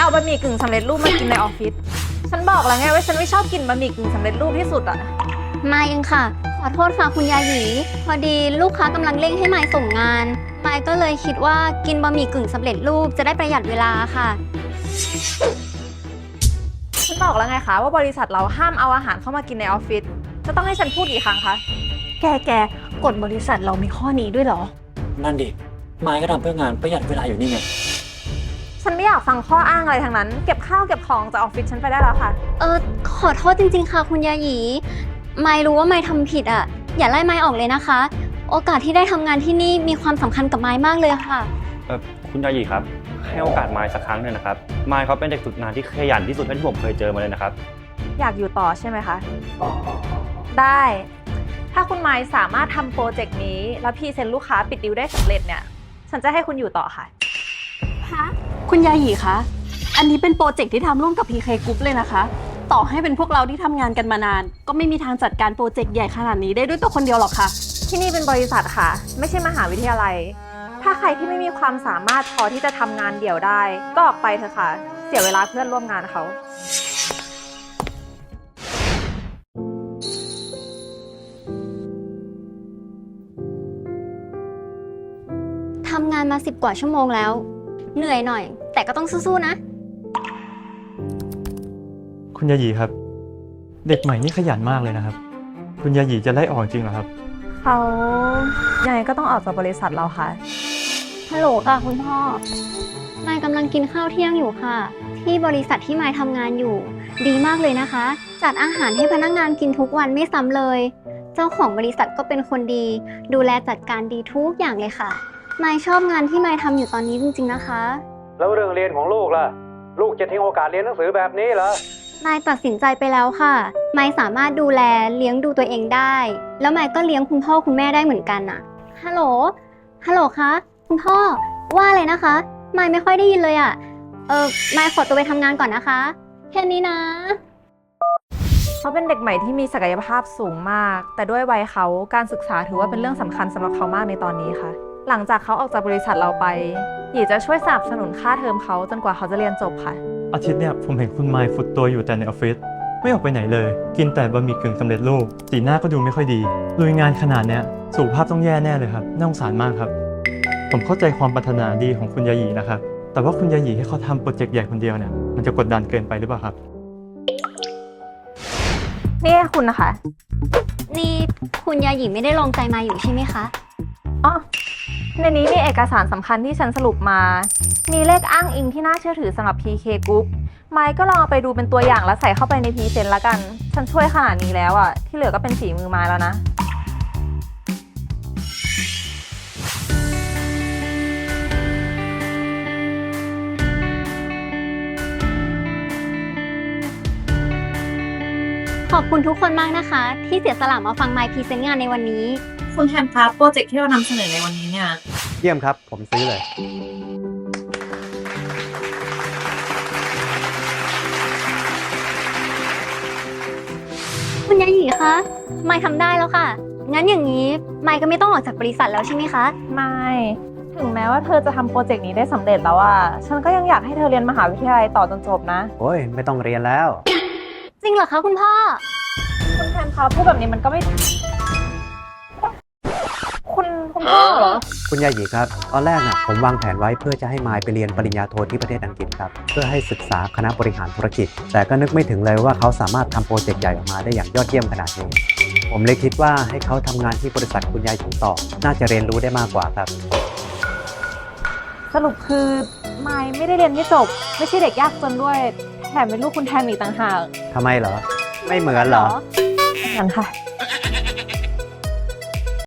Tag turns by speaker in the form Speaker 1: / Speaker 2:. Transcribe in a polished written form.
Speaker 1: เอาบะหมี่กึ่งสำเร็จรูปมากินในออฟฟิศฉันบอกแล้วไงว่าฉันไม่ชอบกินบะหมี่กึ่งสำเร็จรูปที่สุดอะ
Speaker 2: มายเองค่ะขอโทษค่ะคุณยาหยีพอดีลูกค้ากำลังเร่งให้มายส่งงานมายก็เลยคิดว่ากินบะหมี่กึ่งสำเร็จรูปจะได้ประหยัดเวลาค่ะ
Speaker 1: ฉันบอกแล้วไงคะว่าบริษัทเราห้ามเอาอาหารเข้ามากินในออฟฟิศจะต้องให้ฉันพูดกี่ครั้งคะ
Speaker 3: แกกฎบริษัทเรามีข้อนี้ด้วยเหรอ
Speaker 4: นั่นดิไม้ก็ทำเพื่องานประหยัดเวลาอยู่นี่ไง
Speaker 1: ฉันไม่อยากฟังข้ออ้างอะไรทั้งนั้นเก็บข้าวเก็บของจากออฟฟิศฉันไปได้แล้วค่ะ
Speaker 2: ขอโทษจริงๆค่ะคุณยาหยีมายรู้ว่ามายทำผิดอ่ะอย่าไล่มายออกเลยนะคะโอกาสที่ได้ทำงานที่นี่มีความสำคัญกับมายมากเลยค่ะ
Speaker 5: คุณยาหยีครับให้โอกาสมายสักครั้งหนึ่งนะครับมายเขาเป็นเด็กฝึกงานที่ขยันที่สุดเท่าที่ผมเคยเจอมาเลยนะครับ
Speaker 1: อยากอยู่ต่อใช่ไหมคะได้ถ้าคุณไมค์สามารถทำโปรเจกต์นี้แล้วพรีเซนต์ลูกค้าปิดดีลได้สำเร็จเนี่ยฉันจะให้คุณอยู่ต่อค่ะ
Speaker 3: คุณยาหยีคะอันนี้เป็นโปรเจกต์ที่ทำร่วมกับ PK Group เลยนะคะต่อให้เป็นพวกเราที่ทำงานกันมานานก็ไม่มีทางจัดการโปรเจกต์ใหญ่ขนาดนี้ได้ด้วยตัวคนเดียวหรอกค่ะ
Speaker 1: ที่นี่เป็นบริษัทค่ะไม่ใช่มหาวิทยาลัยถ้าใครที่ไม่มีความสามารถพอที่จะทำงานเดี่ยวได้ก็ออกไปเถอะค่ะเสียเวลาเพื่อนร่วมงานเขา
Speaker 2: ทำงานมา10 กว่าชั่วโมงแล้วเหนื่อยหน่อยแต่ก็ต้องสู้ๆนะ
Speaker 6: คุณยาหยีครับเด็กใหม่นี่ขยันมากเลยนะครับคุณยาหยีจะไล่ออกจริงเหรอครับ
Speaker 1: เขายังไงก็ต้องออกจากบริษัทเราค่ะ
Speaker 2: ฮัลโหลค่ะคุณพ่อมายกำลังกินข้าวเที่ยงอยู่ค่ะที่บริษัทที่มายทำงานอยู่ดีมากเลยนะคะจัดอาหารให้พนักงานกินทุกวันไม่ซ้ำเลยเจ้าของบริษัทก็เป็นคนดีดูแลจัดการดีทุกอย่างเลยค่ะมายชอบงานที่มายทำอยู่ตอนนี้จริงๆนะคะ
Speaker 7: แล้วเรื่องเรียนของลูกล่ะลูกจะทิ้งโอกาสเรียนหนังสือแบบนี้เหรอ
Speaker 2: มายตัดสินใจไปแล้วค่ะมายสามารถดูแลเลี้ยงดูตัวเองได้แล้วมายก็เลี้ยงคุณพ่อคุณแม่ได้เหมือนกันอะฮัลโหลคะคุณพ่อว่าอะไรนะคะมายไม่ค่อยได้ยินเลยอะมายขอตัวไปทำงานก่อนนะคะแค่นี้นะ
Speaker 1: เขาเป็นเด็กใหม่ที่มีศักยภาพสูงมากแต่ด้วยวัยเขาการศึกษาถือว่าเป็นเรื่องสำคัญสำหรับเขามากในตอนนี้ค่ะหลังจากเขาออกจากบริษัทเราไปหยีจะช่วยสนับสนุนค่าเทอมเขาจนกว่าเขาจะเรียนจบค่ะ
Speaker 6: อาทิตย์เนี่ยผมเห็นคุณไมค์ฟุตตัวอยู่แต่ในออฟฟิศไม่ออกไปไหนเลยกินแต่บะหมี่กึ่งสำเร็จรูปสีหน้าก็ดูไม่ค่อยดีลุยงานขนาดเนี้ยสุขภาพต้องแย่แน่เลยครับน่าสงสารมากครับผมเข้าใจความปรารถนาดีของคุณยาหยีนะครับแต่ว่าคุณยาหยีให้เขาทำโปรเจกต์ใหญ่คนเดียวเนี่ยมันจะกดดันเกินไปหรือเปล่าครับ
Speaker 1: นี่คุณนะคะ
Speaker 2: นี่คุณยาหยีไม่ได้ลองใจมาอยู่ใช่ไหมคะ
Speaker 1: อ๋อในนี้มีเอกสารสำคัญที่ฉันสรุปมามีเลขอ้างอิงที่น่าเชื่อถือสำหรับ PK Group ไมค์ก็ลองเอาไปดูเป็นตัวอย่างแล้วใส่เข้าไปในพรีเซนต์ละกันฉันช่วยขนาดนี้แล้วอ่ะที่เหลือก็เป็นฝีมือไมค์แล้วนะ
Speaker 2: ขอบคุณทุกคนมากนะคะที่เสียสละมาฟังไมค์พรีเซนต์งานในวันนี้
Speaker 1: คุณแทนคะโปรเจกต์ที่เรานำเสนอในวันนี้เนี่ย
Speaker 7: เยี่ยมครับผมซื้อเลย
Speaker 2: คุณยาหยีคะไมค์ทำได้แล้วค่ะงั้นอย่างนี้ไมค์ก็ไม่ต้องออกจากบริษัทแล้วใช่ไหมคะ
Speaker 1: ไม่ถึงแม้ว่าเธอจะทำโปรเจกต์นี้ได้สำเร็จแล้วอ่ะฉันก็ยังอยากให้เธอเรียนมหาวิทยาลัยต่อจนจบนะ
Speaker 7: โอ้ยไม่ต้องเรียนแล้ว
Speaker 2: จริงเหรอคะคุณพ่อ
Speaker 1: คุณแทนคะพูดแบบนี้มันก็ไม่คุณพ่อเหรอ
Speaker 7: คุณยาหยีครับตอนแรกน่ะผมวางแผนไว้เพื่อจะให้มายไปเรียนปริญญาโทที่ประเทศอังกฤษครับเพื่อให้ศึกษาคณะบริหารธุรกิจแต่ก็นึกไม่ถึงเลยว่าเขาสามารถทำโปรเจกต์ใหญ่ออกมาได้อย่างยอดเยี่ยมขนาดนี้ผมเลยคิดว่าให้เขาทำงานที่บริษัทคุณยาหยีต่อน่าจะเรียนรู้ได้มากกว่าครับ
Speaker 1: สรุปคือไมค์ไม่ได้เรียนให้จบไม่ใช่เด็กยากจนด้วยแถมเป็นลูกคุณแทนอีกต่างหาก
Speaker 7: ทำไมเหรอไม่เหมือนเหรอ
Speaker 1: งั้นค่ะ